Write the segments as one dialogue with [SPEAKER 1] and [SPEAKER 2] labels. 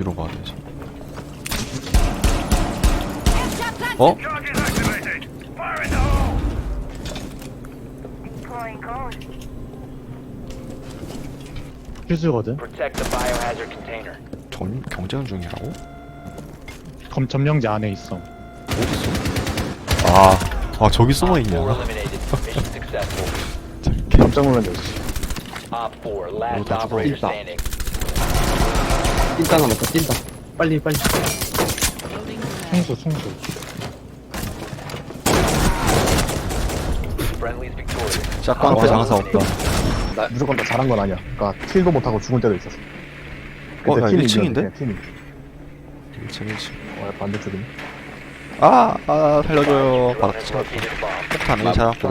[SPEAKER 1] 어디로 가야 되지? 어?
[SPEAKER 2] 퓨즈거든.
[SPEAKER 1] 경쟁 중이라고?
[SPEAKER 2] 점령지 안에 있어.
[SPEAKER 1] 어딨어? 아 저기 숨어있냐?
[SPEAKER 2] 깜짝 놀란 적 있어.
[SPEAKER 3] 찐따 남았다 찐따 빨리
[SPEAKER 2] 충수.
[SPEAKER 1] 짝방 앞에 장사 없다.
[SPEAKER 4] 나 무조건 다 잘한 건 아니야. 그니까 킬도 못하고 죽을 때도 있었어.
[SPEAKER 1] 어, 나
[SPEAKER 4] 팀이
[SPEAKER 1] 1층인데?
[SPEAKER 4] 이겼는데, 팀이.
[SPEAKER 1] 1층.
[SPEAKER 4] 반대쪽이네.
[SPEAKER 1] 살려줘요. 바닥 쳐. 폭탄 을 찾았고.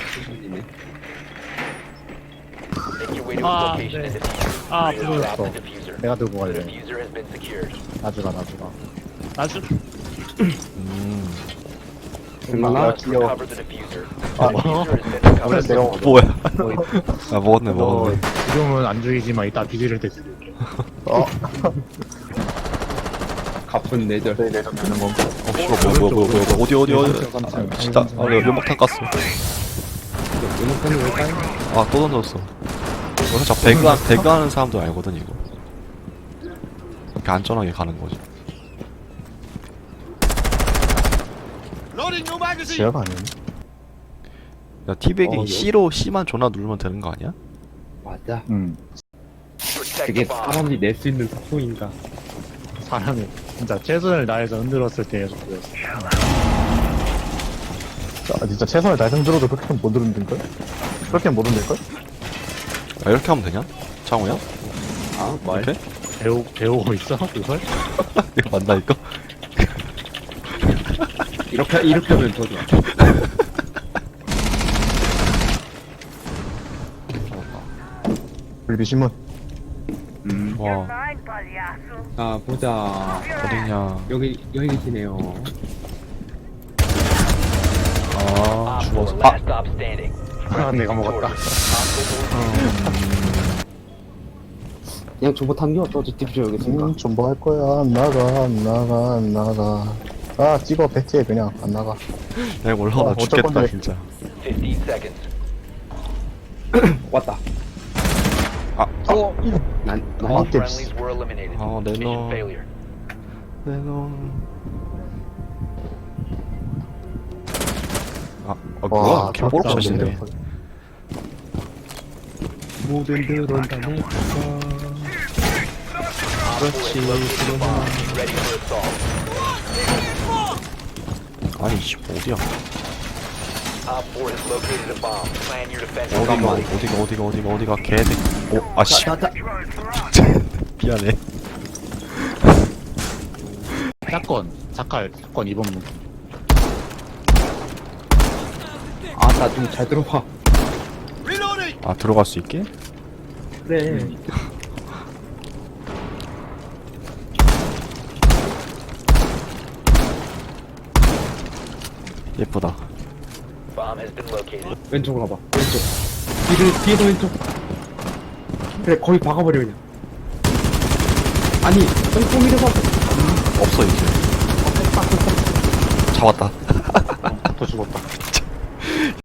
[SPEAKER 2] 부러졌어. 내가 들고 갈래. 나주가. 나주?
[SPEAKER 3] 얼마나
[SPEAKER 4] 귀여워. 아무래도 내가 먹어.
[SPEAKER 1] 뭐야? 먹었네.
[SPEAKER 2] 너 지금은 안 죽이지만 이따 뒤질 때 죽일게.
[SPEAKER 3] 가쁜 내절
[SPEAKER 4] 저희 내전 되는 건가?
[SPEAKER 1] 뭐야. 어디. 진짜. 연막탄 깠어.
[SPEAKER 3] 음악하는 걸까요?
[SPEAKER 1] 또 던졌어. 이거 살짝 배그 하는 사람도 알거든, 이거. 이렇게 안전하게 가는 거지.
[SPEAKER 4] 지하가 아니네.
[SPEAKER 1] 야, 티백이
[SPEAKER 3] 여기?
[SPEAKER 1] C만 존나 누르면 되는 거 아니야?
[SPEAKER 3] 맞아
[SPEAKER 4] 응.
[SPEAKER 3] 되게 사람이 낼 수 있는 사소인가
[SPEAKER 2] 사람이 진짜 최선을 다해서 흔들었을 때 보였어.
[SPEAKER 4] 진짜 최선을 다해서 흔들어도 그렇게는 못 흔들걸? 그렇게는 못 흔들걸?
[SPEAKER 1] 이렇게 하면 되냐? 창호야?
[SPEAKER 3] 말
[SPEAKER 1] 이렇게?
[SPEAKER 2] 배우고 있어? 그걸?
[SPEAKER 1] 이거 맞나, 이거?
[SPEAKER 3] 이렇게 하면 더 좋아
[SPEAKER 4] 불비 신문.
[SPEAKER 1] 와,
[SPEAKER 3] 자 보자
[SPEAKER 1] 어디냐.
[SPEAKER 3] 여기 계시네요
[SPEAKER 1] 죽었어.
[SPEAKER 2] 내가 먹었다.
[SPEAKER 3] 그냥 정보 탐겨 저 딥쇼 여기 있으니까
[SPEAKER 4] 좀 뭐 할 거야? 안 나가. 찍어, 배치해, 그냥. 안 나가.
[SPEAKER 1] 야, 이거 올라오다
[SPEAKER 4] 어쩔
[SPEAKER 1] 죽겠다,
[SPEAKER 4] 건데.
[SPEAKER 1] 진짜.
[SPEAKER 3] 왔다 난
[SPEAKER 4] 맞게.
[SPEAKER 1] 내놈.
[SPEAKER 4] 와,
[SPEAKER 1] 개뽀록샷인데.
[SPEAKER 3] 모든 들은 다 내꺼
[SPEAKER 2] 그렇지.
[SPEAKER 1] 아니, 씨, 어디야? 어디가, 개새끼. 씨. 미안해.
[SPEAKER 2] 사건 2번 문.
[SPEAKER 3] 나 좀 잘 들어봐
[SPEAKER 1] 들어갈 수 있게?
[SPEAKER 3] 그래
[SPEAKER 1] 예쁘다.
[SPEAKER 3] 왼쪽으로 가봐 왼쪽 뒤에도 왼쪽 그래 거기 박아버려 그냥 아니 똥똥이를 봐
[SPEAKER 1] 없어, 이제. 잡았다.
[SPEAKER 2] 또 죽었다.